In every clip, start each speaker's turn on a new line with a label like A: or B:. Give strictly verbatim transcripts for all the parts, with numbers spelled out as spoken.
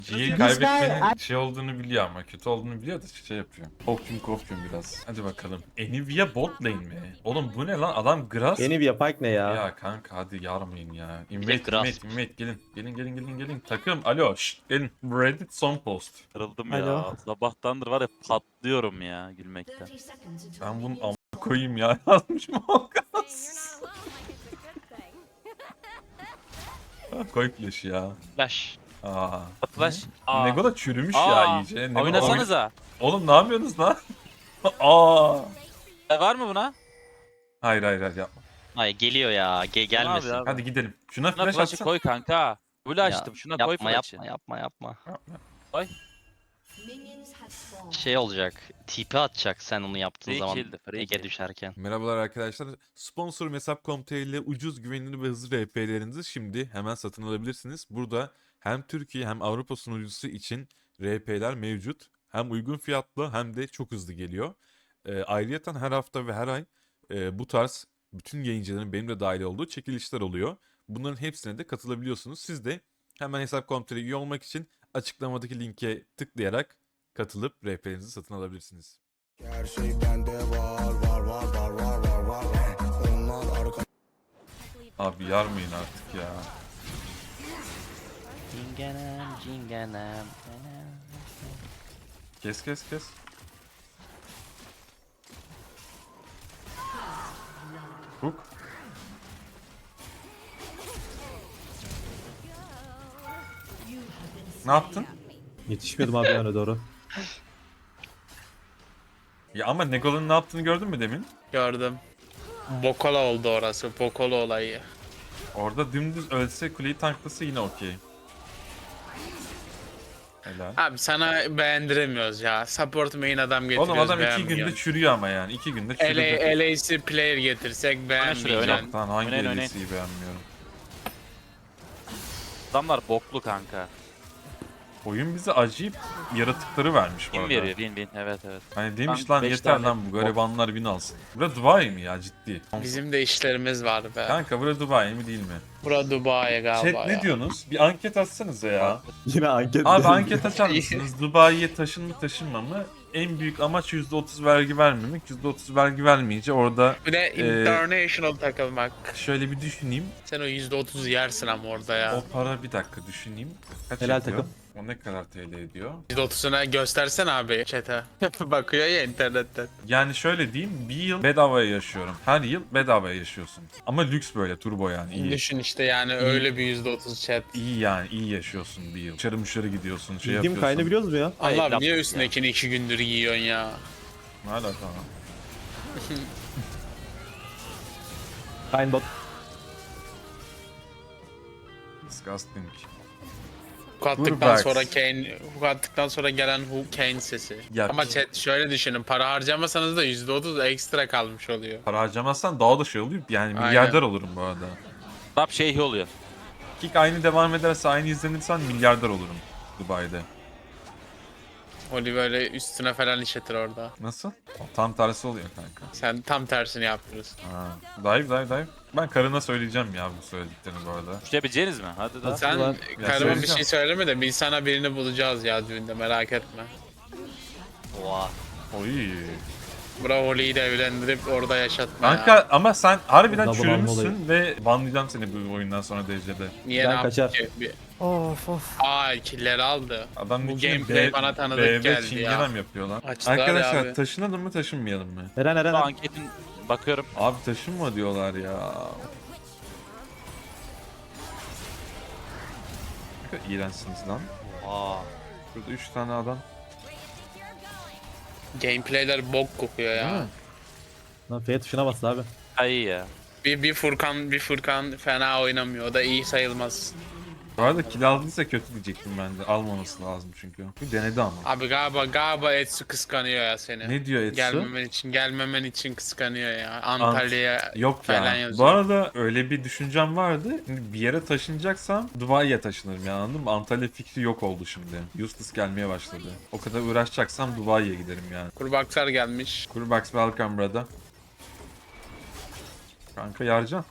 A: G'yi kaybetmenin şey olduğunu biliyor ama kötü olduğunu biliyor da şey yapıyor. Kopyum kopyum biraz. Hadi bakalım. Nvidia bot lane mi? Oğlum bu ne lan? Adam Grass.
B: Nvidia Pike ne ya?
A: Ya kanka hadi yarmayın ya.
C: de
A: Invade
C: Grasp.
A: invade invade gelin. Gelin gelin gelin gelin. Takım alo şşt gelin. Reddit son post.
C: Kırıldım
B: Alo.
C: ya. Sabahtandır var ya patlıyorum ya gülmekten.
A: Ben bunu am koyayım ya yazmışım olmaz. Koy flash ya.
C: Flash.
A: Aa.
C: Flash. Aa.
A: Nego da çürümüş
C: Aa.
A: ya iyice. Nego
C: Oynasanıza.
A: Oğlum ne yapıyorsunuz lan? Aa.
C: E, var mı buna?
A: Hayır hayır hayır yapma.
D: Hayır geliyor ya. Ge gelmesin.
C: abi?
A: Hadi gidelim. Şuna
C: Şuna
A: flash
C: flash'ı
A: atsana.
C: koy kanka. Böyle
D: Ya,
C: açtım. Şuna koy
D: yapma
C: flash'ı.
D: yapma yapma yapma.
C: Koy.
D: Şey olacak. Tipi atacak sen onu yaptığın
C: Free
D: zaman.
C: kill'di, free
D: Ege
C: kill.
D: düşerken.
A: Merhabalar arkadaşlar. Sponsorum hesap nokta com nokta tr ile ucuz, güvenilir ve hızlı R P'lerinizi şimdi hemen satın alabilirsiniz. Burada hem Türkiye hem Avrupa sunucusu için R P'ler mevcut. Hem uygun fiyatlı hem de çok hızlı geliyor. E, ayrıyeten her hafta ve her ay e, bu tarz bütün yayıncıların benim de dahil olduğu çekilişler oluyor. Bunların hepsine de katılabiliyorsunuz. Siz de hemen hesap nokta com nokta tr'ye üye olmak için açıklamadaki linke tıklayarak katılıp R P'lerinizi satın alabilirsiniz.
E: Her şey bende var var var var var var var. Onlar arka
A: Abi yarmayın artık ya.
D: Cingenem cingenem.
A: Kes kes kes. Hook. Ne yaptın?
B: Yetişmiyordum abi öne doğru.
A: Ya ama Negola'nın ne yaptığını gördün mü demin?
F: Gördüm. Bokola oldu orası. Bokola olayı.
A: Orada dümdüz ölse kuleyi tanklasa yine okey. Helal.
F: Abi sana beğendiremiyoruz ya. Support main adam getiriyoruz,
A: Oğlum adam iki
F: beğenmiyor.
A: günde çürüyor ama yani. iki günde çürüdü.
F: L A C player getirsek
C: şuraya,
F: beğenmeyeceksin.
C: oynayın.
A: Lan hangi
C: Oynayın, oynayın.
A: L C S'yi beğenmiyorum.
C: Adamlar boklu kanka.
A: Oyun bize acayip yaratıkları vermiş bu
C: Kim
A: arada.
C: veriyor? Win win. Evet evet.
A: Hani demiş
C: Lan
A: lan
C: beş
A: yeter
C: tane
A: lan bu garibanlar win alsın. Bura Dubai mi ya ciddi?
F: Bizim de işlerimiz var be.
A: Kanka bura Dubai mi değil mi?
F: Bura Dubai galiba
A: Chat
F: ya.
A: ne diyorsunuz? Bir anket atsanıza ya.
B: Yine anket.
A: Abi anket açar mısınız? Dubai'ye taşın mı taşınma mı? En büyük amaç yüzde otuz vergi vermemek. yüzde otuz vergi vermeyince orada
F: Bir de
A: Ee,
F: international takılmak.
A: şöyle bir düşüneyim.
F: Sen o yüzde otuz yersin ama orada ya.
A: O para bir dakika düşüneyim. Kaç
B: Helal
A: ediyor?
B: takım.
A: O ne kadar T L ediyor?
F: yüzde otuzuna göstersen abi chat'e. Bakıyor ya internetten.
A: Yani şöyle diyeyim, bir yıl bedavaya yaşıyorum. Her yıl bedavaya yaşıyorsun. Ama lüks böyle turbo yani iyi.
F: Düşün işte yani öyle bir yüzde otuz chat.
A: İyi yani iyi yaşıyorsun bir yıl. Dışarı müşteri gidiyorsun şey
B: Bildiğim
A: yapıyorsun.
B: kaynağı biliyoruz mu ya?
F: Allah
C: Ay,
F: niye
C: laf-
F: üstündekini iki gündür giyiyorsun ya?
A: Ne alaka lan?
B: Kayn bot.
A: Disgusting.
F: Hook attıktan
A: Burbacks.
F: sonra Kane, hook attıktan sonra gelen hook Kane sesi.
A: Ya-
F: Ama chat şöyle düşünün, para harcamasanız da yüzde otuz ekstra kalmış oluyor.
A: Para harcamazsan daha da şey oluyor. Yani
F: Aynen.
A: milyarder olurum bu arada.
C: Rap şeyhi oluyor.
A: Kick aynı devam ederse aynı izlenirsen milyarder olurum Dubai'de.
F: Oli böyle üstüne falan işletir orada.
A: Nasıl? Tam tersi oluyor kanka.
F: Sen tam tersini yaptırırsın.
A: Ha. Dive dive dive. Ben karına söyleyeceğim ya bu söylediklerini bu arada.
C: Düşebileceğiniz mi? Hadi da.
F: Sen
B: Ulan,
A: ya
F: karıma bir
A: söyleyeceğim.
F: şey söyleme de biz sana birini bulacağız ya düğünde, merak etme.
D: Oha.
A: Oy.
F: Bura Oli'yi de evlendirip orada yaşatma
A: Kanka
F: ya.
A: ama sen harbiden
B: Double
A: çürümüşsün ve banlayacağım seni bu oyundan sonra derecede.
F: Niye
B: Ben
F: ne yaptı
B: kaçar.
F: ki? Bir...
B: Of of.
F: Aa killeri aldı.
A: Adam
F: Bu
A: içine
F: gameplay
A: B-
F: bana tanıdık
A: B V
F: geldi ya.
A: çingenem yapıyor lan.
F: Açtılar ya
A: Arkadaşlar
F: abi.
A: taşınalım mı taşınmayalım mı?
B: Eren Eren.
C: Bu
B: Eren.
C: anketin bakıyorum.
A: Abi taşınma diyorlar ya. Ne kadar iğrençsiniz lan.
D: Aa.
A: Burada üç tane adam.
F: Gameplayler bok kokuyor
A: Değil
F: ya.
A: mi?
B: Lan F tuşuna bastı abi.
C: Ha iyi ya.
F: Bir, bir Furkan bir Furkan fena oynamıyor. O da iyi sayılmaz.
A: Bu arada kill aldıysa kötü diyecektim ben de. Almaması lazım çünkü. Bu denedi ama.
F: Abi galiba galiba Etsu kıskanıyor ya seni.
A: Ne diyor Etsu?
F: Gelmemen için gelmemen için kıskanıyor ya. Antalya'ya
A: Yok
F: falan
A: ya.
F: yazıyor.
A: Bu arada öyle bir düşüncem vardı. Şimdi bir yere taşınacaksam Dubai'ye taşınırım yani anladın mı? Antalya fikri yok oldu şimdi. Useless gelmeye başladı. O kadar uğraşacaksam Dubai'ye giderim yani.
F: Kurbaksar gelmiş.
A: Kurbax welcome brother. Kanka yarcan.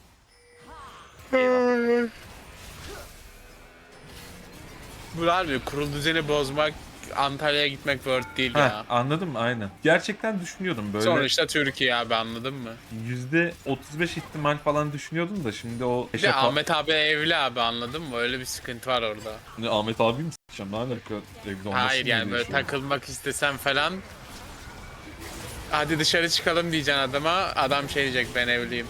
F: Bu harbi kurul düzeni bozmak, Antalya'ya gitmek worth değil
A: Heh,
F: ya.
A: anladım aynen. Gerçekten düşünüyordum böyle.
F: Sonuçta Türkiye abi, anladın mı?
A: yüzde otuz beş ihtimal falan düşünüyordum da şimdi o...
F: Bir de Ahmet abi evli abi, anladın mı? Öyle bir sıkıntı var orada.
A: Ne, Ahmet abi mi s**eceğim? Ne alaka? Evli olmasın
F: Hayır
A: diye
F: yani böyle
A: şu an.
F: takılmak istesem falan. Hadi dışarı çıkalım diyeceksin adama. Adam şey diyecek, ben evliyim.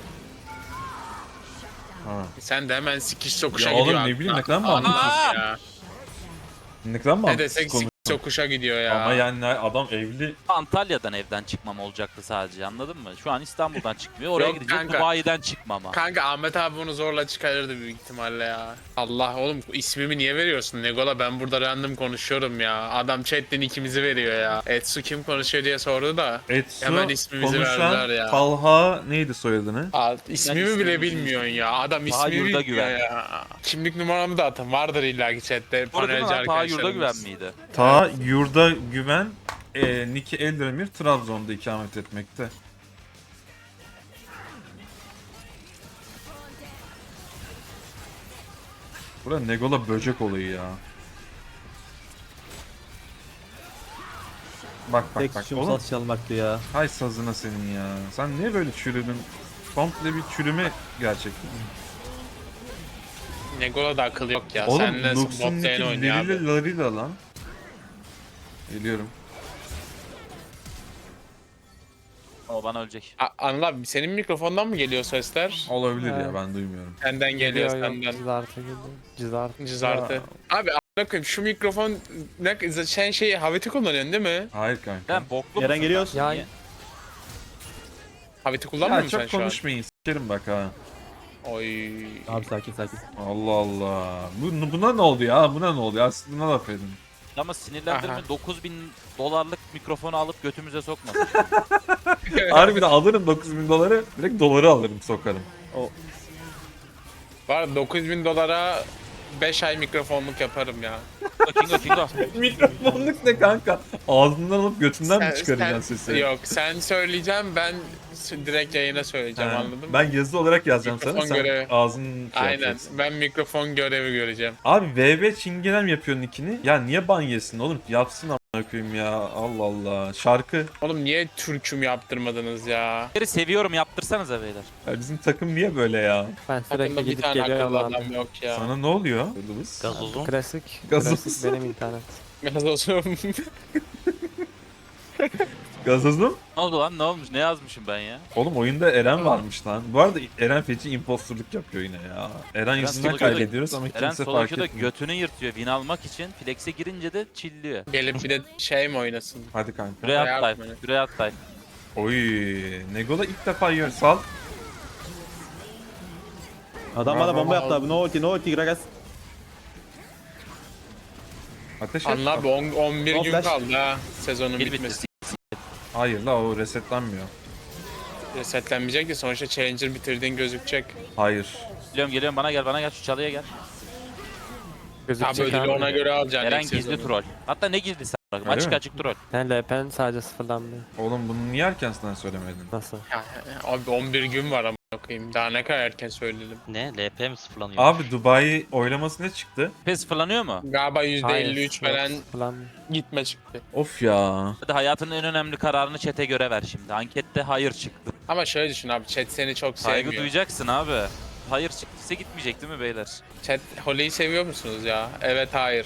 A: Ha.
F: Sen de hemen sikiş sokuşa
A: Ya oğlum,
F: gidiyor.
A: ne bileyim, ne kadar mı
F: Anladın
A: anlatıyorsun?
F: ya.
A: Ne kadar mı
F: Ne
A: mantıksız
F: desek
A: konu?
F: sikiş sokuşa gidiyor ya.
A: Ama yani adam evli.
C: Antalya'dan evden çıkmam olacaktı sadece, anladın mı? Şu an İstanbul'dan çıkmıyor. Oraya
F: Yok
C: gidecek,
F: kanka.
C: Dubai'den çıkmama.
F: Kanka Ahmet abi bunu zorla çıkarırdı büyük ihtimalle ya. Allah oğlum, ismimi niye veriyorsun Negola? Ben burada random konuşuyorum ya. Adam chatten ikimizi veriyor ya. Etsu kim konuşuyor diye sordu da.
A: Etsu
F: Hemen ismimizi
A: konuşan
F: verdiler ya.
A: Talha neydi soyadını?
F: Aa, ismimi
C: ismini
F: bile
C: bilmiyorum.
F: bilmiyorsun ya. Adam
C: Taha
F: ismimi
C: Yurda
F: bilmiyor
C: Güven.
F: ya. Kimlik numaramı da atın. Vardır illaki chatte.
C: Orada değil mi
F: Panelci
C: lan? Ta Yurda Güven
F: arkadaşlarımız.
C: miydi?
A: Ta Yurda Güven, e, Niki Eldemir Trabzon'da ikamet etmekte. Burada Negola böcek olayı ya. Bak bak
B: Tek
A: bak
B: suçum
A: oğlum.
B: saz çalmaktı ya.
A: Hay sazına senin ya. Sen niye böyle çürüdün? Komple bir çürüme gerçekten.
F: Negola da akıl yok ya.
A: Oğlum
F: Sen nasıl bot
A: Lux'un
F: lane
A: Niki
F: oynuyor abi?
A: Lirila Larila lan. Geliyorum.
C: O bana ölecek.
F: A- Anıl abi, senin mikrofondan mı geliyor sesler?
A: Olabilir ya,
G: Ha.
A: ben duymuyorum.
F: Senden geliyor, senden.
G: Cızartı geliyor. Cızartı.
F: Cızartı. Abi a**ına koyayım, şu mikrofon ne, sen şey Havit'i kullanıyorsun değil mi?
A: Hayır kanka.
C: Sen boklu
B: Eren
C: musun
B: geliyoruz.
C: lan?
G: Ya-
C: Niye?
F: Havit'i kullanmıyor
A: Ya
F: musun sen
A: çok
F: şu an?
A: konuşmayın, sikerim bak ha.
F: Oy.
B: Abi sakin sakin.
A: Allah Allah. Bu, buna ne oldu ya? Buna ne oldu ya? Siz buna laf edin.
C: Ama sinirlendirme,
F: Aha.
C: dokuz bin dolarlık mikrofonu alıp götümüze sokmasın.
A: Harbiden alırım dokuz bin doları. Direkt doları alırım, sokarım.
F: Var dokuz bin dolara beş ay mikrofonluk yaparım ya.
C: Kingo Kingo.
A: Mikrofonluk ne kanka? Ağzından alıp götünden mi
F: Sen-
A: çıkaracaksın
F: sen-
A: sesi?
F: Yok, sen söyleyeceğim, ben s- direkt yayına söyleyeceğim,
A: Ha,
F: anladın mı?
A: ben yazılı olarak yazacağım
F: Mikrofon
A: sana. Sen
F: görevi.
A: ağzının şey
F: Aynen,
A: yapacaksın.
F: ben mikrofon görevi göreceğim.
A: Abi V B çingenem yapıyor nickini. Ya niye ban yesin oğlum? Yapsın amına koyayım ya. Allah Allah. Şarkı.
F: Oğlum niye türküm yaptırmadınız ya?
C: Beni seviyorum, yaptırsanıza beyler.
A: Ya bizim takım niye böyle ya?
G: Ben sürekli
F: Takımda bir
G: gidip
F: tane
G: geliyorum
F: akıllı
G: abi.
F: adam yok ya.
A: Sana ne oluyor? Yıldız.
D: Gazozun.
G: Klasik.
A: Gazoz.
G: Klasik benim internet.
F: Biraz olsun.
A: Gazozum.
C: Ne oldu lan, ne olmuş, ne yazmışım ben ya?
A: Oğlum oyunda Eren varmış lan. Bu arada Eren feci imposturluk yapıyor yine ya. Eren yüzünden
C: solo queue'da-
A: kaybediyoruz ama
C: Eren
A: kimse
C: solo
A: fark
C: queue'da
A: etmiyor.
C: götünü yırtıyor win almak için. Flex'e girince de chillliyor.
F: Gelip bir de şey mi oynasın?
A: Hadi kanka.
C: Şuraya
F: Bayağı
C: at dive,
F: atmayın.
C: şuraya at dive.
A: Oy, Negola ilk defa yiyor. Sal.
B: Adam bana bomba yaptı abi. No ulti no ulti Gragas.
A: Ateş et.
F: Anla abi, on- on bir
B: No
F: gün
B: flash.
F: kaldı ha sezonun
C: Kill
F: bitmesi.
C: bitti.
A: Hayır la, o resetlenmiyor.
F: Resetlenmeyecek de sonuçta Challenger bitirdiğin gözükecek.
A: Hayır.
C: Geliyorum geliyorum, bana gel bana gel, şu çalıya gel.
F: Abi
G: Gözükecek
F: ödülü
G: abi.
F: ona göre alacaksın.
C: Eren
F: ilk
C: gizli
F: sezonu.
C: troll. Hatta ne gizlisi bak,
A: Öyle
C: açık
A: mi?
C: açık troll.
G: Sen L P'n sadece sıfırlanmıyor.
A: Oğlum bunu niye erkenden söylemedin?
G: Nasıl?
F: Ya, abi on bir gün var ama okuyayım. Daha ne kadar erken söyledim.
D: Ne? L P mi sıfırlanıyor?
A: Abi Dubai oylaması ne çıktı?
C: Pes fırlanıyor mu?
F: Galiba yüzde elli üç
G: Hayır,
F: falan
G: yok, sıfırlanmıyor.
F: gitme çıktı.
A: Of ya.
C: Hadi hayatının en önemli kararını chat'e göre ver şimdi. Ankette hayır çıktı.
F: Ama şöyle düşün abi, chat seni çok
C: Saygı
F: sevmiyor.
C: duyacaksın abi. Hayır çıktıysa gitmeyecek değil mi beyler?
F: Chat Holly'yi seviyor musunuz ya? Evet, hayır.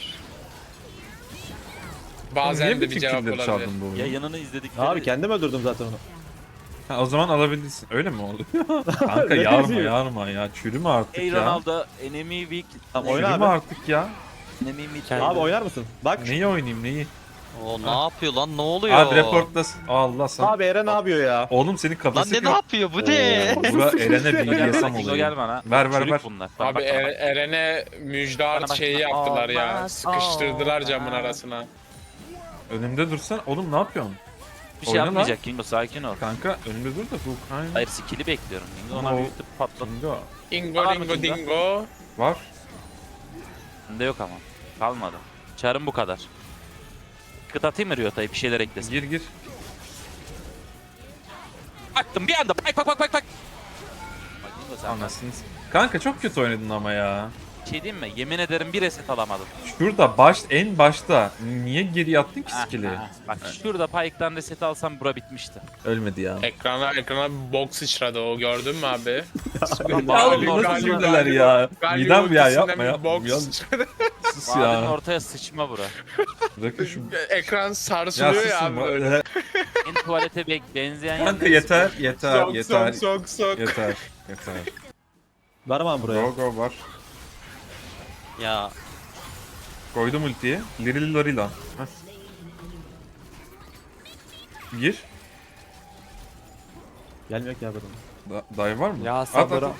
A: Oğlum
F: Bazen
A: niye
F: de bir
A: bütün
F: cevap
A: killleri
F: olabilir.
A: çaldın bu oyunu?
C: Yayınını izledikleri...
B: Abi kendim öldürdüm zaten onu.
A: Ha, o zaman alabilirsin. Öyle mi oldu? Kanka yarma yarma ya. Çürüme artık
C: Hey
A: ya.
C: Ronaldo, enemy weak,
B: Tamam oyna
A: Çürüme
B: abi.
A: artık ya.
C: enemy mid.
G: Kendi-
B: Abi oynar mısın? Bak.
A: Neyi oynayayım neyi?
D: O ne yapıyor lan? Ne oluyor?
A: Abi reportlasın. Allah sana.
B: Abi Eren ne yapıyor ya?
A: Oğlum senin
D: Lan
A: kafası
D: ne ne yapıyor? Bu ne?
A: Oo, Bura Eren'e bilgi yasam
C: Kingo
A: oluyor.
C: gel bana.
A: Ver, ver,
C: Çürük
A: ver.
C: bunlar. Bak,
F: Abi
C: bak, bak, bak.
F: Er- Eren'e müjdat
C: Bana bak.
F: şeyi yaptılar ya.
C: Olmaz,
F: Sıkıştırdılar camın
C: olmaz.
F: arasına.
A: Önümde dursan. Oğlum ne yapıyorsun?
C: Bir şey
A: Oyna lan.
C: yapmayacak Kingo, sakin ol.
A: Kanka önümde dur da bu Ukrayna.
C: Hayır, skill'i bekliyorum. Kingo
A: Ama
C: ona
A: o-
C: büyütüp patladı.
A: Kingo.
F: Dingo
C: Var mı
F: dingo
C: Kingo?
F: dingo.
A: Var.
C: Bende yok ama. Kalmadı. Çarım bu kadar. Kıt atayım mı Ryota'ya, bir şeyler eklesin.
A: Gir gir.
C: Baktım bir anda, bak bak bak bak bak. Bak Kingo sen.
A: Anasını s- Kanka çok kötü oynadın ama ya.
C: Bir şey diyeyim mi? Yemin ederim bir reset alamadım.
A: Şurada baş en başta niye geri attın ki
C: Ah,
A: skill'i?
C: ah. Bak şurada Pyke'dan reset alsam bura bitmişti.
A: Ölmedi ya.
F: Ekrana ekrana bir bok sıçradı o gördün mü abi?
A: Ya oğlum
F: Galio-
A: nasıl
F: Galio-
A: cümleler ya?
F: Galio
A: Midem ya
F: ultisinden
A: yapma
F: bir
A: yapma.
F: bok
A: Ya,
F: sıçradı.
A: sus
C: Vadinin
A: ya.
C: ortaya sıçma bura.
A: Bırakın şu.
F: Ekran
A: Ya
F: sarsılıyor ya,
A: susun.
F: abi böyle.
C: En tuvalete be- benzeyen
A: Kanka
C: yerleri
A: yeter
C: sıkıyor.
A: yeter
F: Sok
A: yeter.
F: sok sok sok.
A: Yeter. Yeter.
B: Var mı abi buraya?
A: Go go var.
D: Ya
A: Koydum ultiyi. Lirili Lorila. Heh. Gir.
B: Gelmiyor ki abi adam.
A: Da dive var mı?
G: Ya
A: At,
G: sabır.
A: at, at.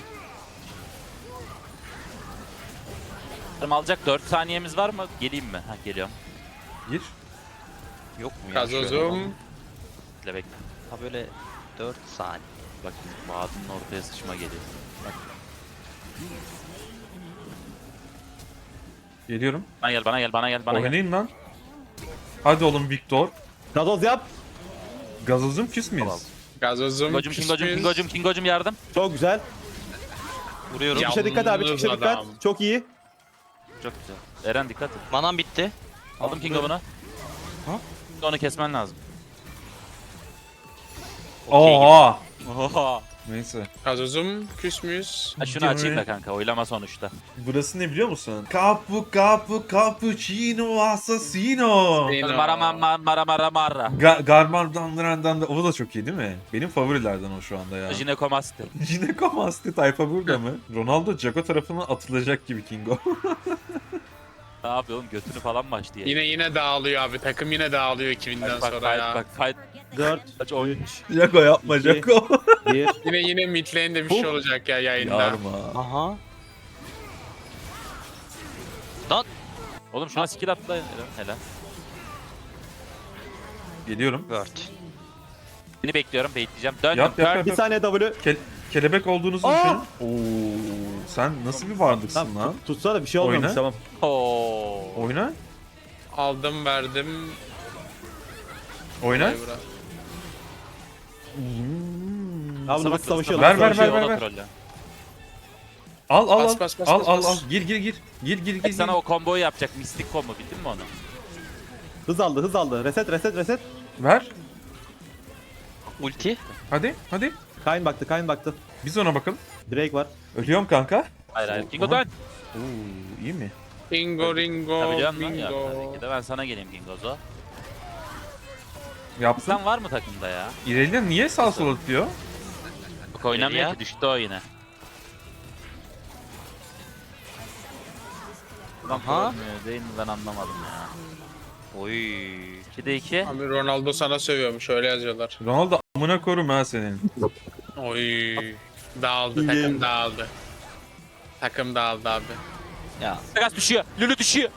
C: Yarım alacak dört saniyemiz var mı? Geleyim mi? Ha geliyorum.
A: Gir.
D: yok mu ya? şöyle?
F: Gazozum.
C: Bekle bekle.
D: Ha böyle dört saniye.
C: Bak vadinin ortaya sıçma geliyor. Bak.
A: Geliyorum.
C: Bana gel bana gel bana gel bana gel.
A: Oynayın lan. Hadi oğlum Victor.
B: Gazoz yap.
A: Gazozum küs müyüz?
C: Tamam.
F: Gazozum.
C: Kingocum kingocum
F: küsmüş.
C: kingocum kingocum yardım.
B: Çok güzel.
D: Vuruyorum.
F: Ya.
B: Çıkışa dikkat abi, çıkışa
F: Yalnız
B: dikkat.
F: adam.
B: Çok iyi.
C: Çok güzel. Eren dikkat et.
D: Manam bitti.
C: Aldım Kingo bunu.
A: Ha?
C: Onu kesmen lazım.
A: Oha.
C: Oha.
A: Neyse.
F: Gazozum küsmüş.
C: Ha şunu açayım da kanka oylama sonuçta.
A: Burası ne biliyor musun? Capu capu cappuccino assassino.
F: Yine
C: Mara
F: o.
C: mara mara mara mara.
A: Ga Garmandanlardan da o da çok iyi değil mi? Benim favorilerden o şu anda ya.
C: Jinekomasti.
A: Jinekomasti tayfa burada mı? Ronaldo Jago tarafına atılacak gibi Kingo.
C: Ne yapıyor oğlum götünü falan mı açtı ya?
F: Yine yine dağılıyor abi. Takım yine dağılıyor iki binden
C: Bak bak
F: sonra
C: fight
F: ya.
C: bak fight.
B: dört,
C: Kaç oyun.
A: Jago yapma
B: İki.
A: Jago.
B: bir.
F: Yine yine midlane de bir şey olacak ya yayında.
A: Yarma.
D: Aha.
C: Oğlum şuna skill atla. Helal. Helal.
A: Geliyorum.
D: Word.
C: Seni bekliyorum bekleyeceğim. Döndüm.
A: Yap yap yap.
B: Bir
A: yap.
B: saniye W.
A: Ke- kelebek olduğunuzu
B: Aa!
A: düşünün. Oo, sen nasıl bir varlıksın
B: Tamam,
A: lan?
B: tut- tutsa da bir şey olmamış,
A: Oyna.
B: tamam.
C: Oo.
A: Oyna.
F: Aldım verdim.
A: Oyna.
F: Vay bura.
B: Abi nasıl savaşıyor?
A: Ver,
B: nasıl
A: ver,
B: savaşıyor?
A: ver,
C: Ona
A: ver.
C: trolle.
A: Al al
F: Bas,
A: al.
F: bas, bas,
A: al
F: bas,
A: al
F: bas.
A: al. Gir gir gir. Gir gir gir.
C: Bak
A: gir.
C: sana o komboyu yapacak mistik combo bildin mi onu?
B: Hız aldı, hız aldı. Reset, reset, reset.
A: Ver.
D: Ulti.
A: Hadi hadi.
B: Kayn baktı, Kayn baktı.
A: Biz ona bakalım.
B: Drake var.
A: Ölüyorum kanka.
C: Hayır hayır. Kingo
A: Aha.
C: dön.
A: Oo, iyi mi?
F: Bingo ringo
C: Tabii canım lan ya.
F: bingo.
C: Tabii ki de ben sana geleyim Kingozo.
A: Yaptın.
C: Sen var mı takımda ya?
A: İrelia niye sağ sol atıyor?
C: Bak oynamıyor
D: ya?
C: ki düştü o yine. Lan
D: Aha.
C: olmuyor değil mi ben anlamadım ya.
D: Oy.
C: ikide iki.
F: Abi Ronaldo sana sövüyormuş öyle yazıyorlar.
A: Ronaldo amına korum ha senin.
F: Oy. Dağıldı
B: İyi.
F: takım dağıldı. Takım dağıldı abi.
D: Ya
C: Takas düşüyor. Lülü düşüyor.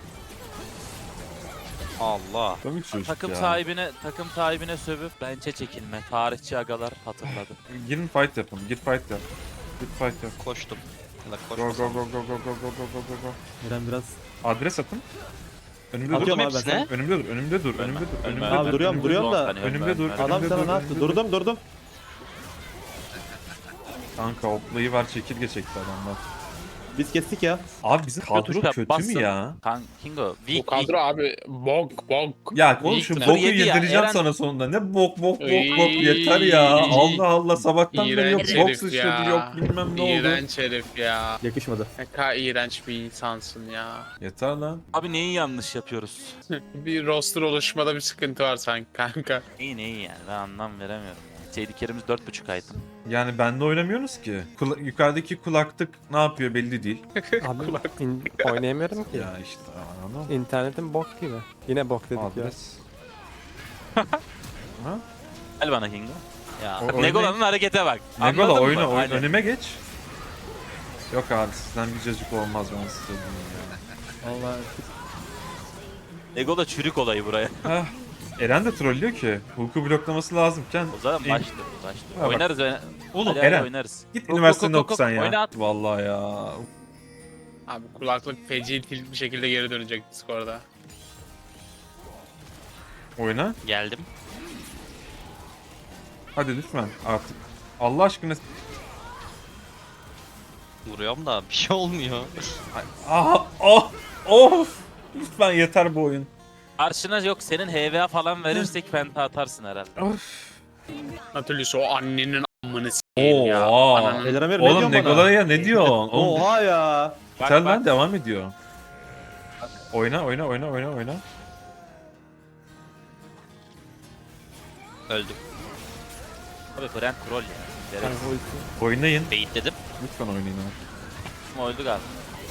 D: Allah.
A: Komik çocuk
C: Takım
A: ya.
C: sahibine takım sahibine sövüp bençe çekilme. Tarihçi agalar hatırladı.
A: Girin fight yapın. Git fight yap. Git fight yap.
D: Koştum. Ya da
A: Go go
D: koşmasam.
A: go go go go go go go go go.
B: Eren biraz.
A: Adres atın. Önümde dur.
B: Atıyorum abi ben
D: hepsine.
B: sana.
A: Önümde dur. Önümde dur. Önümde dur. Önümde
B: Abi
A: dur.
B: duruyorum,
A: önümde
B: duruyorum
A: dur.
B: da.
A: Önümde dur.
B: Adam
A: önümde
B: sana
A: dur,
B: ne yaptı?
A: önümde dur.
B: Durdum, durdum.
A: Kanka oklayı var çekirge çekti adamlar.
B: Biz kestik ya.
A: Abi bizim kadro
C: Tuş yap,
A: kötü
C: bassın.
A: mü ya?
C: Kan Kingo.
F: Bu
C: Weak
F: kadro abi bok bok.
A: Ya oğlum şu
F: Weak
A: boku
C: yedi ya,
A: yedireceğim
C: Eren-
A: sana sonunda. Ne bok bok bok bok
F: Iy.
A: yeter ya. Allah Allah sabahtan beri yok
F: İğrenç
A: bok
F: herif
A: sıçradı
F: ya.
A: yok bilmem ne oldu.
F: İğrenç herif ya.
B: Yakışmadı.
F: Ne kadar iğrenç bir insansın ya.
A: Yeter lan.
C: Abi neyi yanlış yapıyoruz?
F: Bir roster oluşmada bir sıkıntı var sanki kanka.
C: İyi neyi yani ben anlam veremiyorum. Seydikerimiz dört buçuk item.
A: Yani benle oynamıyorsunuz ki. Kula- yukarıdaki kulaklık ne yapıyor belli değil.
G: Abi in- oynayamıyorum ki.
A: Ya işte anladın mı?
G: İnternetim bok gibi. Yine bok dedik ya.
A: Adres.
C: Gel bana Kingo.
D: Ya.
A: O-
C: Negola'nın harekete bak.
A: Negola
C: Anladın
A: oyna
C: mı?
A: oyun
C: Hani-
A: önüme geç. Yok abi sizden bir cacık olmaz ben size diyeyim ya.
B: Vallahi.
C: Negola çürük olayı buraya.
A: Heh. Eren de trollüyor ki. Hulk'u bloklaması lazımken.
C: O zaman
A: en-
C: başlı. Başlı.
A: Ha, bak.
C: Oynarız. oyna-
A: Oğlum
C: Hadi hadi
A: Eren
C: oynarız.
A: git
C: Kok,
A: üniversitede
C: kok, kok,
A: okusan
C: kok,
A: ya.
C: oyna at.
A: Vallahi ya.
F: Abi kulaklık feci tilt bir şekilde geri dönecek Discord'a.
A: Oyna.
D: Geldim.
A: Hadi lütfen artık. Allah aşkına.
D: Vuruyorum da bir şey olmuyor.
A: Aha, oh, of. Lütfen yeter bu oyun.
C: Karşına yok senin H V A falan verirsek penta atarsın herhalde.
A: Of.
F: Nautilus o annenin amını s**eyim ya.
A: Oha.
F: Ananın.
B: Beyler Amir ne
A: Oğlum
B: diyorsun bana?
A: Negola'ya ne diyorsun? Oğlum,
B: Oha ya.
C: Bak,
A: sen
C: bak.
A: lan devam ediyor. Oyna oyna oyna oyna oyna.
D: Öldüm.
C: Abi Brent troll ya. Gerek.
G: Kanka ulti.
A: Oynayın.
D: Baitledim.
A: Lütfen oynayın abi.
C: Kim öldü galiba.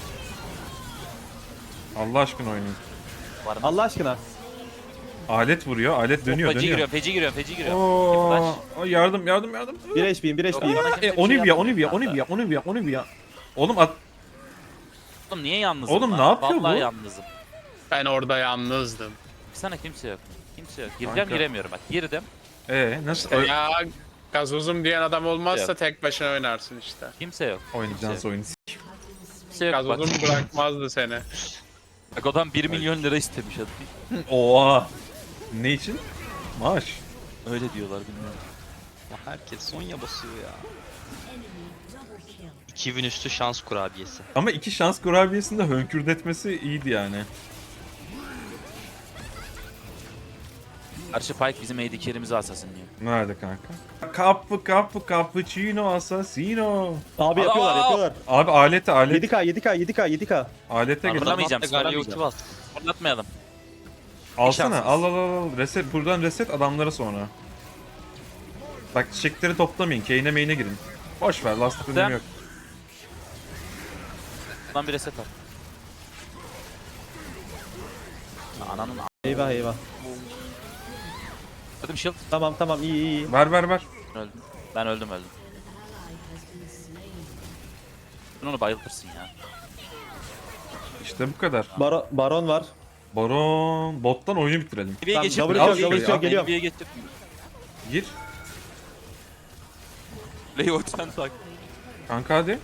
A: Allah aşkına oynayın.
C: Var mı?
B: Allah aşkına.
A: Alet vuruyor, alet dönüyor,
C: Feci
A: dönüyor.
C: giriyorum, feci giriyorum, feci giriyorum.
A: Oo,
C: Flash.
A: o yardım, yardım, yardım.
B: bir H P'yim bir H
C: Yok,
B: P'yim.
C: bana kimse
A: E,
C: bir şey
A: Onivia,
C: yapmıyor
A: Onivia,
C: kanka.
A: Onivia, Onivia, Onivia. Oğlum at.
C: Oğlum niye yalnızım
A: Oğlum
C: lan?
A: ne yapıyor
C: Vallahi
A: bu?
C: yalnızım.
F: Ben orada yalnızdım.
C: Sana kimse yok. Kimse yok. Gireceğim
A: Kanka.
C: giremiyorum bak. Girdim.
A: Ee, nasıl
F: İşte ya gazozum diyen adam olmazsa
C: Yok.
F: tek başına oynarsın işte.
C: Kimse yok.
A: oynayacağız oyunu?
C: Kimse yok bak.
F: Gazozum bırakmazdı seni.
C: Bak adam bir milyon lira istemiş adam.
A: Oha. Ne için? Maaş.
C: Öyle diyorlar bilmiyorum.
D: Ya herkes Sonya basıyor ya. iki bin üstü şans kurabiyesi.
A: Ama iki şans kurabiyesinde hönkürdetmesi iyiydi yani.
C: Karşı Pike bizim A D carry'imizi asasınlıyor.
A: Nerede kanka? Kapı kapı cappuccino assassino.
B: Abi yapıyorlar
C: Aa!
B: yapıyorlar.
A: Abi alete alet.
B: yedi K yedi K yedi K yedi K.
A: Alete gel.
C: Fırlamayacağım,
D: Galio
C: fırlamayacağım.
D: ulti bas.
C: Fırlatmayalım.
A: Alsana.
C: şansınız.
A: Al al al. al. Reset buradan reset adamlara sonra. Bak çiçekleri toplamayın. Kane'e main'e girin. Boş ver. Last
C: Sen-
A: önemi yok.
C: Lan bir reset at. Ananın a**.
B: Eyvah eyvah.
C: Öldüm shield.
B: Tamam tamam iyi iyi iyi.
A: Ver ver ver.
C: Öldüm. Ben öldüm öldüm. Sen onu bayıltırsın ya.
A: İşte bu kadar.
B: Baro Baron var.
A: Baron bottan oyunu bitirelim.
C: N B A'ye
B: Tamam,
C: geçip
B: double
A: kill,
C: Al
A: double
C: şurayı,
A: kill,
C: al.
B: geliyorum.
C: N B A'ye geçip.
A: Gir.
C: Leo sen tak.
A: Kanka hadi.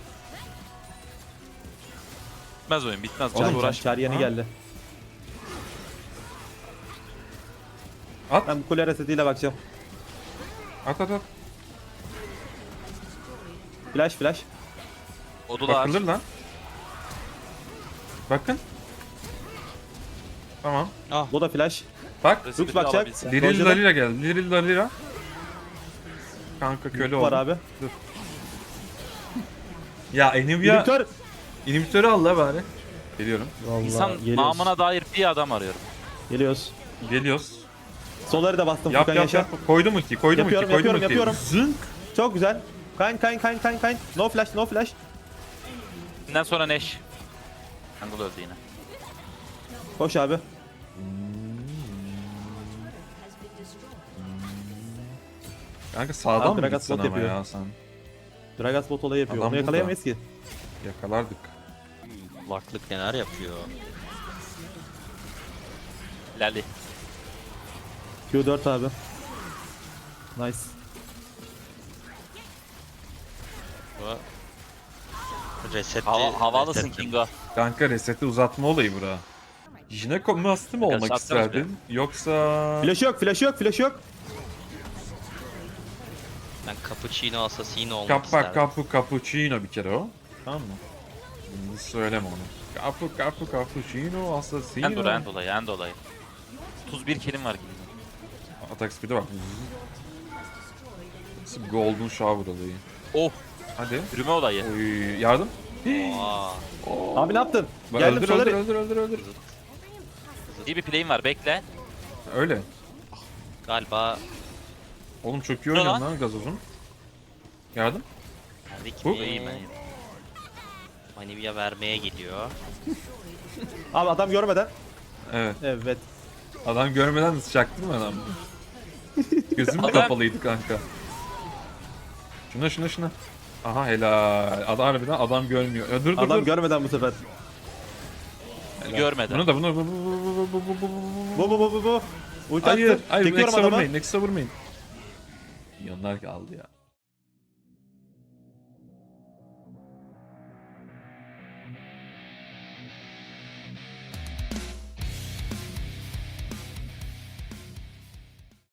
C: Bitmez oyun bitmez.
B: Oğlum
C: Can
B: uğraş.
C: uğraş.
B: Çar yeni
A: Ha.
B: geldi.
A: At.
B: Ben bu kule resetiyle bakacağım.
A: At at at.
B: Flash flash.
C: Odular.
A: Bakılır lan. Bakın. Tamam.
B: Bu da flash.
A: Bak.
C: Reset'i
B: bakacak.
C: alabilsen.
A: Liril
B: Roger'da-
A: Dalira geldi. Liril Dalira. Kanka köle
B: Var
A: oldu.
B: abi.
A: Ya Enivia
B: Editör.
A: inhibitörü al la bari. Geliyorum.
B: Vallahi
C: İnsan
B: geliyoruz.
C: namına dair bir adam arıyorum.
B: Geliyoruz.
A: Geliyoruz.
B: Solları da bastım
A: Yap
B: Furkan
A: yap
B: Yaşar.
A: yap. Koydum ulti, koydum ulti,
B: Yapıyorum,
A: koydum
B: yapıyorum,
A: ulti.
B: yapıyorum.
A: Zınk.
B: Çok güzel. Kayn kayn kayn kayn kayn. No flash no flash.
C: Bundan sonra Neş. Angle öldü yine.
B: Koş abi.
A: Kanka sağdan
B: Abi
A: mı
B: Gragas
A: gitsen
B: bot
A: ama
B: yapıyor.
A: ya sen?
B: Dragas bot olayı yapıyor.
A: Adam
B: Onu
A: burada.
B: yakalayamayız ki.
A: Yakalardık.
D: Kulaklık neler yapıyor.
C: Lali.
B: Q dört abi. Nice.
D: Bu reseti
C: Hava, havalısın
D: resetledim.
C: Kingo.
A: Kanka reseti uzatma olayı bura. Jineko Master mı olmak
C: Arkadaşlar, atsanız
A: isterdin? Yoksa...
B: Flash yok flash yok flash yok.
D: Ben cappuccino assassino olmak
A: Kappa
D: isterdim.
A: kapu cappuccino bir kere o. Tamam mı? Şimdi söyleme onu. Kapu kapu cappuccino assassino.
C: End olayı, end olayı, end olayı. otuz bir kilim var gibi.
A: Atak speed'e bak. Nasıl bir golden shower olayı.
C: Oh,
A: Hadi.
C: yürüme olayı.
A: Oy, yardım.
D: Aa,
B: Abi ne yaptın?
A: Bak,
B: Geldim
A: öldür,
B: Solar'ı.
A: öldür öldür öldür öldür.
C: İyi bir play'im var, bekle.
A: Öyle.
D: galiba
A: Oğlum çok iyi
C: Ne
A: oynuyorsun
C: lan?
A: lan gazozun. Yardım.
D: Rick
A: Bu-
C: İyiyim ben iyiyim.
D: Manivya vermeye geliyor.
B: Abi adam görmeden.
A: Evet.
B: Evet.
A: Adam görmeden nasıl çaktın mı adam? Gözüm
C: Adam-
A: kapalıydı kanka. Şuna şuna şuna. Aha helal. Adam harbiden adam görmüyor. Ya, dur dur
B: Adam
A: dur.
B: görmeden bu sefer.
A: Helal.
C: Görmeden.
A: Bunu da bunu bu bu bu bu bu bu bu.
B: Bu bu bu bu bu. Ulti
A: Hayır,
B: attım.
A: hayır
B: Çekiyorum
A: Nexus'a
B: adamı.
A: vurmayın, Nexus'a vurmayın. Yanlar kaldı ya.